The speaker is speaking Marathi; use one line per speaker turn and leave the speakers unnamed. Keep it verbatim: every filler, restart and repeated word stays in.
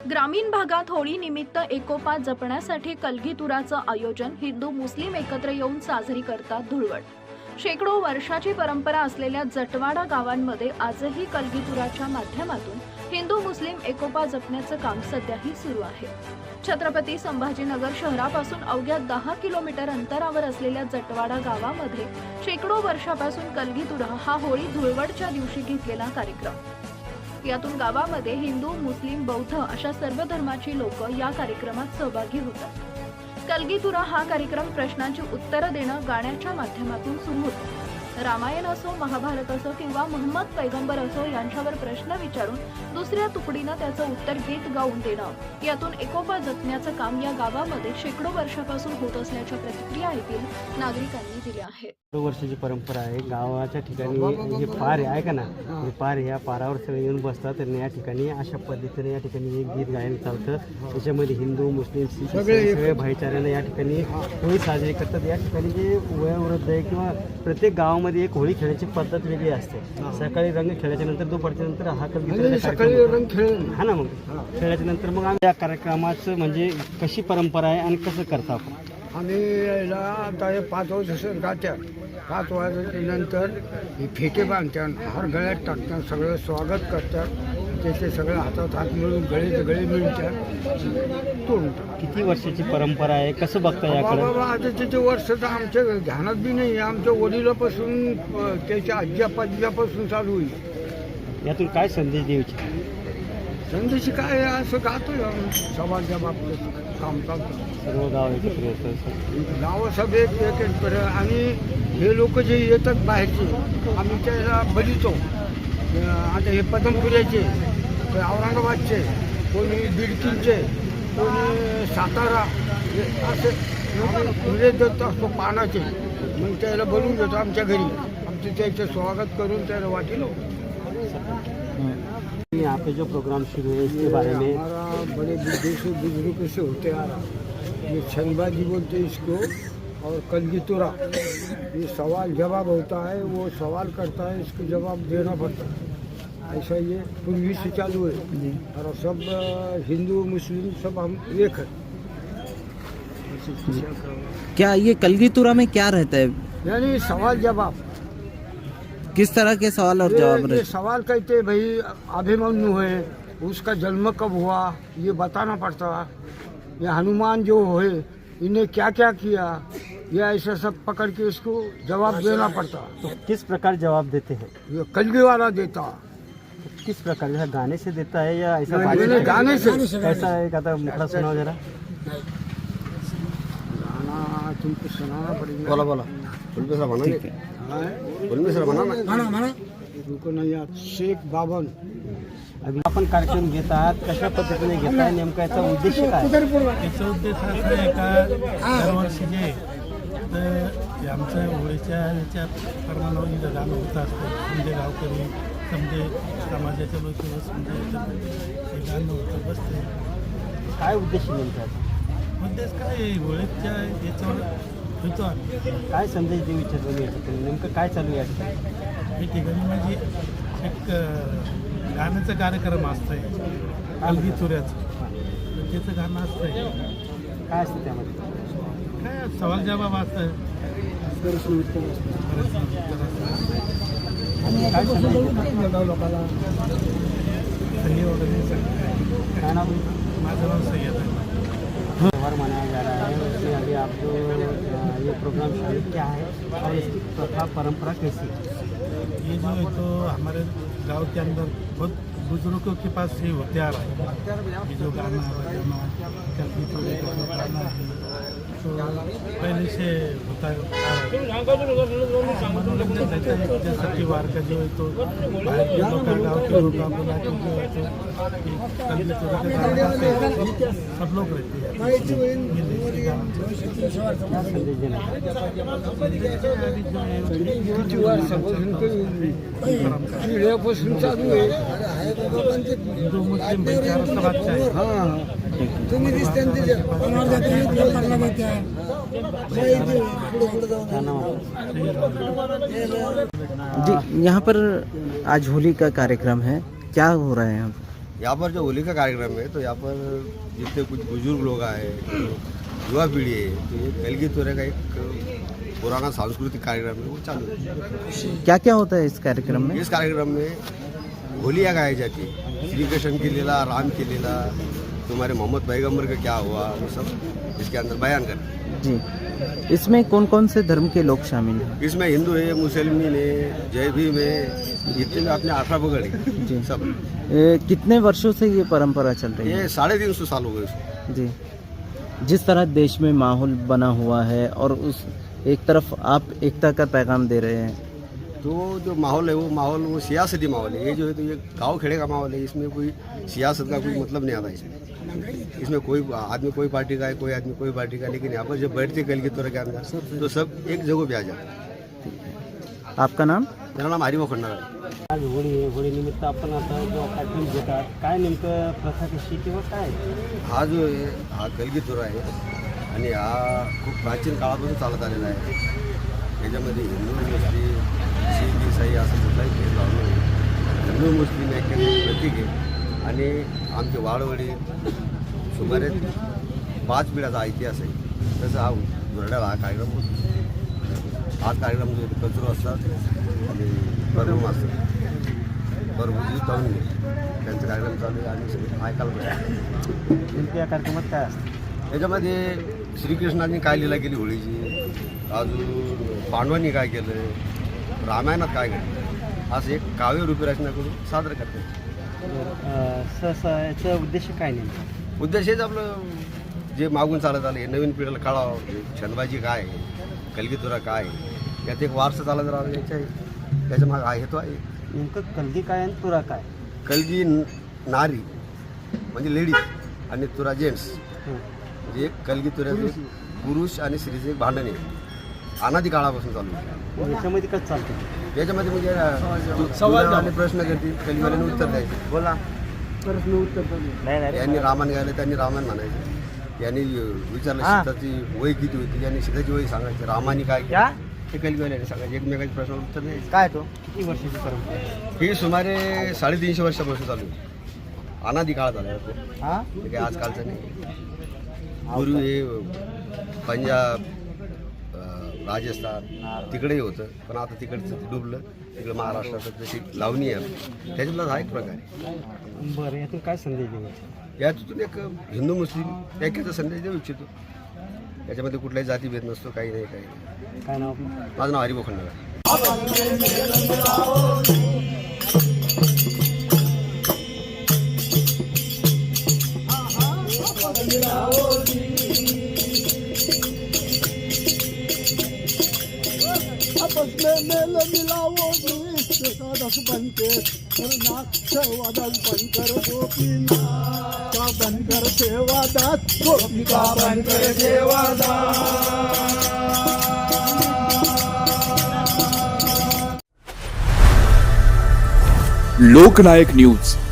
ग्रामीण भागात होळी निमित्त एकोपा जपण्यासाठी कलगीतुराचं आयोजन हिंदू मुस्लिम एकत्र येऊन साजरी करतात धुळवड. शेकडो वर्षाची परंपरा असलेल्या जटवाडा गावांमध्ये आजही कलगीतुराच्या माध्यमातून हिंदू मुस्लिम एकोपा जपण्याचं काम सध्याही सुरू आहे. छत्रपती संभाजीनगर शहरापासून अवघ्या दहा किलोमीटर अंतरावर असलेल्या जटवाडा गावामध्ये शेकडो वर्षापासून कलगीतुरा हा होळी धुळवडच्या दिवशी घेतलेला कार्यक्रम. यातून गावामध्ये हिंदू, मुस्लिम, बौद्ध अशा सर्व धर्माची लोक या कार्यक्रमात सहभागी होतात. कलगीतुरा हा कार्यक्रम प्रश्नांची उत्तरं देणं गाण्याच्या माध्यमातून सुरू होतो. रामायण असो, महाभारत असो किंवा मोहम्मद पैगंबर असो यांच्यावर प्रश्न विचारून दुसऱ्या तुकडीनं त्याचं उत्तर गीत गाऊन देणं, यातून एकोपा जपण्याचं काम या गावामध्ये शेकडो वर्षापासून होत असल्याच्या प्रतिक्रिया येथील नागरिकांनी दिल्या आहेत.
वर्षाची परंपरा आहे. गावाच्या ठिकाणी जे पार आहे का ना, हे पार ह्या पारावर सगळे येऊन बसतात आणि या ठिकाणी अशा पद्धतीने या ठिकाणी एक गीत गायन चालतं. त्याच्यामध्ये हिंदू, मुस्लिम, सिख सगळे भाईचाऱ्याने या ठिकाणी होळी साजरी करतात. या ठिकाणी जे वयोवृद्ध आहे किंवा प्रत्येक गावामध्ये एक होळी खेळायची पद्धत वेगळी असते. सकाळी रंग खेळायच्या नंतर दुपारच्या नंतर हा कलगीतुरा हा ना, मग खेळायच्या नंतर मग आम्ही या कार्यक्रमाचं म्हणजे कशी परंपरा आहे आणि कसं करता आपण.
आम्ही यायला आता हे पाच वर्ष गाठ्या पाच वाजल्यानंतर हे फेटे बांधतात, हार गळ्यात टाकतात, सगळं स्वागत करतात. त्याचे सगळं हातात हात मिळून गळे गळे मिळतात तोडून.
किती वर्षाची परंपरा आहे, कसं बघता याकडे.
बाबा आता त्याचे वर्ष तर आमच्या ध्यानात बी नाही. आमच्या वडिलापासून त्याच्या आजी आपाजीपासून चालू होईल.
यातून काय संदेश द्यायचे.
संदेश काय असं गातोय समाजाच्या बाबतीत काम चालतं.
सर्व गाव एकत्र येतं,
गावासभेत एक एक पर आणि हे लोक जे येतात बाहेरचे आम्ही त्याला बलितो. आता हे पदमपुऱ्याचे, औरंगाबादचे, कोणी बिडकीचे, कोणी सातारा असे फुले देत असतो पानाचे. मग त्याला बोलून देतो आमच्या घरी. आमचं त्याचं स्वागत करून त्याला वाटेल.
यहाँ पे जो प्रोग्राम शुरू है इसके बारे में.
हमारा बड़े बुजुर्ग से बुजुर्ग से होते आ रहा. ये छनबाजी बोलते इसको और कलगीतुरा. ये सवाल जवाब होता है, वो सवाल करता है, इसको जवाब देना पड़ता है. ऐसा ये पूर्वी से चालू है और सब हिंदू मुस्लिम सब हम एक है.
क्या ये कलगीतुरा में क्या रहता है,
यानी सवाल जवाब.
किस तरह के सवाल और जवाब
ये,
रहते
ये सवाल कहते भाई अभिमन्यु है, उसका जन्म कब हुआ ये बताना पड़ता. ये हनुमान जो है इन्हें क्या क्या किया, ये ऐसा सब पकड़ के इसको जवाब देना पड़ता.
तो किस प्रकार जवाब देते हैं.
ये कलगी वाला देता.
तो किस प्रकार, जैसा गाने से देता है या ऐसा
गाने, गाने से.
कैसा है, कहता मुखड़ा सुनाओ जरा.
गाना तुमको सुनाना पड़ेगा.
बोला बोला
ठीक है. तुमको नहीं याद. शेख बावन.
अभी आपण कार्यक्रम घेत आहात, कशा पद्धतीने घेताय, नेमका याचा उद्देश काय.
याचा उद्देश असा आहे का दरवर्षी जे तर आमचं होळीच्या ह्याच्या प्रमाणावर इथं गाणं होत असतं. समजे गावकरी, समजे समाजाच्या लोक समजे हे गाणं होतं बसते.
काय उद्देश नेमका.
उद्देश काय आहे, होळीच्या याच्यावर होतो आम्ही.
काय संदेश देऊ इच्छितो मी याच्यातून, नेमकं काय चालू आहे या
हे ठिकाणी म्हणजे एक गाण्याचा कार्यक्रम असतंय कलगीतुऱ्याचं. तर त्याचं गाणं असतंय.
काय असतं त्यामध्ये.
काय सवाल जवाब असतं.
काय संदेश
सही वगैरे सगळं.
काय नाव.
माझं नाव सय्यद आहे.
त्यौहार मनाया जा रहा है, उसमें अभी आप जो ये प्रोग्राम शुरू क्या है और इसकी प्रथा परंपरा कैसी है.
ये जो है तो हमारे गांव के अंदर बहुत बुजुर्गों के पास से होते आ रहा है. ये जो गाना बजाना कलगीतुरे का जो गाना है तो पहले से होता है. मनोरंजन रहता है. जैसा त्योहार का जो है तो बाहर के लोग गाँव के लोग बोला कि जो है तो कलगीतुरे का गाना गाते हैं. सब लोग रहते हैं.
क्या संदेश देना.
पिढ्यापासून चालू आहे.
हिंदू मुस्लिम भाईचारा सब अच्छा है.
हां
तुम्ही दिसते
जी, यहाँ पर आज होली का कार्यक्रम है, क्या हो रहा है यहाँ पर.
यहाँ पर जो होली का कार्यक्रम है तो यहाँ पर जितने कुछ बुजुर्ग लोग आए, युवा पीढ़ी है, तो ये कलगी तुरा का एक पुराना सांस्कृतिक कार्यक्रम है, वो चालू है।
क्या क्या होता है इस कार्यक्रम में?
इस कार्यक्रम में होलियाँ गाई जाती है, श्री कृष्ण की लीला, राम की लीला, तुम्हारे मोहम्मद पैगम्बर का क्या हुआ, वो सब इसके अंदर बयान करते हैं।
जी, इसमें कौन कौन से धर्म के लोग शामिल हैं?
इसमें हिंदू है, मुसलमान है, जय भीम है, जितने भी अपने आठा पकड़ है
जी।
सब।
ए, कितने वर्षों से ये परंपरा चल रही है?
ये साढ़े तीन सौ साल हो गए इसको।
जी, जिस तरह देश में माहौल बना हुआ है और उस एक तरफ आप एकता का पैगाम दे रहे हैं,
तो जो माहौल है वो माहौल वो सियासती माहौल है। ये जो है तो ये गांव खेड़े का माहौल है, इसमें कोई सियासत का कोई मतलब नहीं आता इसमें। इसमें कोई आदमी कोई पार्टी का है, कोई आदमी कोई पार्टी का, लेकिन यहाँ पर जब बैठते कल की तरह के अंदर तो सब एक जगह पे आ जाते हैं।
आपका नाम?
मेरा नाम हरिभाऊ खंडागळे आहे।
आज होळी आहे, होळीनिमित्त आपण आता जो कार्यक्रम घेतात, काय नेमकं प्रथा कशी किंवा काय?
हा जो आहे हा कलगीतुरा आहे आणि हा खूप प्राचीन काळापासून चालत आलेला आहे। याच्यामध्ये हिंदू मुस्लिम शीख ईसाई असं कुठलाही भेदभाव नाही। हिंदू मुस्लिम एक प्रतीक आहे आणि आमचे वाडवडी सुमारे पाच पिढ्याचा इतिहास आहे। तसं हा दुरड्याला हा कार्यक्रम होतो। हा कार्यक्रम जो कचरो असतात आणि परम असतात, परभुजी जाऊन त्यांचा कार्यक्रम चालू आहे आणि सगळे ऐकायला पाहिजे।
नेमकं या कार्यक्रमात काय असतं?
याच्यामध्ये श्रीकृष्णाने काय लीला केली होळीची, अजून पांडवांनी काय केलं, रामायणात काय घडलं, असं एक काव्यरूपी रचना करून सादर करतात।
सहसा याचा उद्देश काय नेमका?
उद्देश हेच आपलं जे मागून चालत आलं हे नवीन पिढीला कळावं, छंदबाजी काय आहे, कलगीतुरा काय आहे, यात एक वारसा चालत राहावं याच्या त्याच्या मागे हा हेतू आहे।
नेमकं कलगी काय आणि तुरा काय?
कलगी न- नारी म्हणजे लेडीज आणि तुरा जेंट्स,
हं.
म्हणजे एक कलगीतुऱ्याचं एक पुरुष आणि स्त्रीचं एक भांडण आहे, अनादी काळापासून चालू आहे।
याच्यामध्ये कसं चालतं?
याच्यामध्ये म्हणजे सवाल प्रश्न करतील, कलिवाल्याने उत्तर द्यायचे। बोला,
प्रश्न उत्तर
यांनी रामायण गायलं त्यांनी रामायण म्हणायचं, यांनी विचारलं सीताची वय किती होती, यांनी सीताची वय सांगायची, रामाने काय केलं ते कलिवाल्याने सांगायचे, एकमेकांच्या प्रश्नाला उत्तर द्यायचे। काय तो
किती वर्षाची परंपरा आहे?
ही सुमारे साडेतीनशे वर्षापासून चालू आहे, अनादी काळ झाला तो,
हा
हे काही आजकालचं नाही। पूर्वी हे पंजाब, अं, राजस्थान तिकडेही होतं, पण आता तिकडचं डुबलं, तिकडं महाराष्ट्राचं जशी लावणी आहे त्याच्यातला हा एक प्रकार आहे।
बरं, यातून काय संदेश द्यायचा?
यातून एक हिंदू मुस्लिम ऐक्याचा संदेश देऊ इच्छितो। याच्यामध्ये कुठलाही जातीभेद नसतो, काही नाही काही नाही।
काय नाव आपलं?
माझं नाव हरिभाऊ खंडागळे।
आपस में मेल मिलाओ दस बनके सेवादास बनकर गोपीना का बनकर सेवादास गोपिका बनकर सेवादास।
लोकनायक न्यूज